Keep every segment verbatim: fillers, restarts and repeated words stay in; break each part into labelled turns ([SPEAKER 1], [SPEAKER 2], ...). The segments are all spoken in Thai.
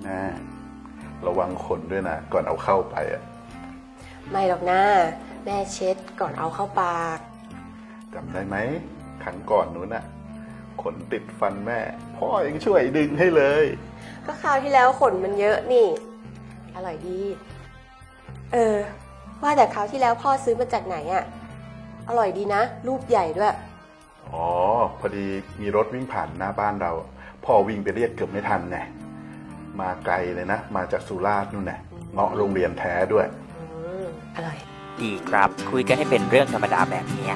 [SPEAKER 1] ม่ระวังขนด้วยนะก่อนเอาเข้าไปอ่ะ
[SPEAKER 2] ไม่หรอกนะแม่เช็ดก่อนเอาเข้าปาก
[SPEAKER 1] จำได้ไหมครั้งก่อนนู้นน่ะขนติดฟันแม่พ่อยังช่วยดึงให้เลย
[SPEAKER 2] ก็คราวที่แล้วขนมันเยอะนี่อร่อยดีเออว่าแต่คราวที่แล้วพ่อซื้อมาจากไหนอ่ะอร่อยดีนะรูปใหญ่ด้วย
[SPEAKER 1] อ๋อพอดีมีรถวิ่งผ่านหน้าบ้านเราพ่อวิ่งไปเรียกเกือบไม่ทันไงมาไกลเลยนะมาจากสุราษฎร์นู่นแหละเงาะโรงเรียนแท้ด้วย
[SPEAKER 2] อร่อย
[SPEAKER 3] ดีครับคุยกันให้เป็นเรื่องธรรมดาแบบนี้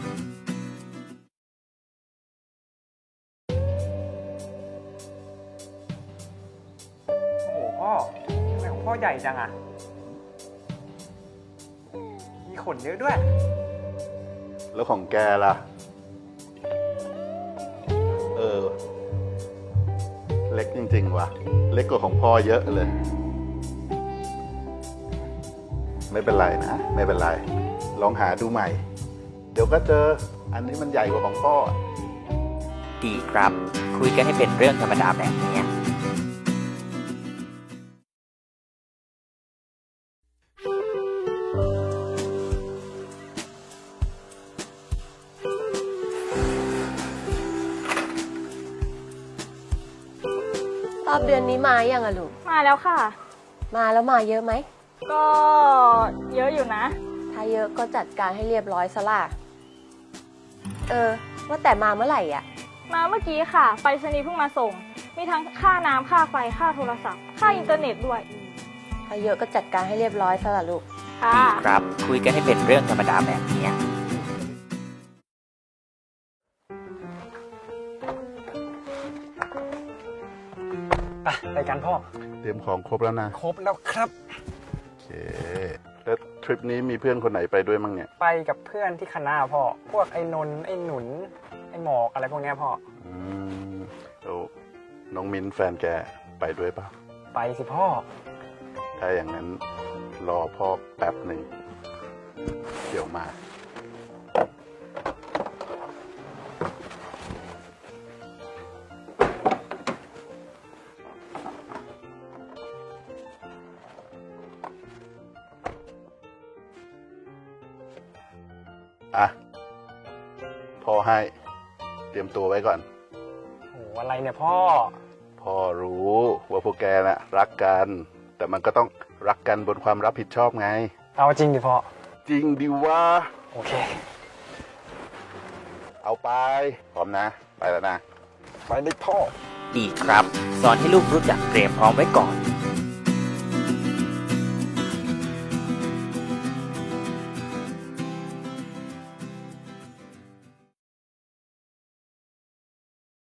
[SPEAKER 4] โอ้โหพ่อทำไมของพ่อใหญ่จังอะมีขนเยอะด้วย
[SPEAKER 1] แล้วของแกล่ะเออเล็กจริงๆว่ะเล็กกว่าของพ่อเยอะเลยไม่เป็นไรนะไม่เป็นไรลองหาดูใหม่เดี๋ยวก็เจออันนี้มันใหญ่กว่าของพ่อ
[SPEAKER 3] ดีครับคุยกันให้เป็นเรื่องธรรมดาแบบนี้
[SPEAKER 2] รอบเดือนนี้มายังอะลูก
[SPEAKER 5] มาแล้วค่ะ
[SPEAKER 2] มาแล้วมาเยอะไหม
[SPEAKER 5] ก็เยอะอยู่นะ
[SPEAKER 2] ถ้าเยอะก็จัดการให้เรียบร้อยซะล่ะเออว่าแต่มาเมื่อไหร่อ่ะ
[SPEAKER 5] มาเมื่อกี้ค่ะไปรษณีย์เพิ่งมาส่งมีทั้งค่าน้ำค่าไฟค่าโทรศัพท์ค่าอินเทอร์เน็ตด้วย
[SPEAKER 2] ถ้าเยอะก็จัดการให้เรียบร้อยซะล่ะลูก
[SPEAKER 5] ค่ะ
[SPEAKER 3] ดีครับคุยกันให้เป็นเรื่องธรรมดาแบบนี้
[SPEAKER 4] ไปไปกันพ่อ
[SPEAKER 1] เตรียมของครบแล้วนะ
[SPEAKER 4] ครบแล้วครับ
[SPEAKER 1] โอเคแล้วทริปนี้มีเพื่อนคนไหนไปด้วยมั้งเนี่ย
[SPEAKER 4] ไปกับเพื่อนที่คณะพ่อพวกไอ้นนท์ไอ้หนุนไอ้หมอกอะไรพวกนี้พ่อ
[SPEAKER 1] อืมแล้วน้องมิ้นแฟนแกไปด้วยป่ะ
[SPEAKER 4] ไปสิพ่อ
[SPEAKER 1] ถ้าอย่างนั้นรอพ่อแป๊บหนึ่งเดี๋ยวมาอ่ะพ่อให้เตรียมตัวไว้ก่อน
[SPEAKER 4] โหอะไรเนี่ยพ่อ
[SPEAKER 1] พ่อรู้ว่าพวกแกน่ะรักกันแต่มันก็ต้องรักกันบนความรับผิดชอบไง
[SPEAKER 4] เอาจริงดิพ่อ
[SPEAKER 1] จริงดิวะ
[SPEAKER 4] โอเค
[SPEAKER 1] เอาไปพร้อมนะไปแล้วนะ
[SPEAKER 4] ไปเลยพ่อ
[SPEAKER 3] ดีครับสอนให้ลูกรู้จักเตรียมพร้อมไว้ก่อน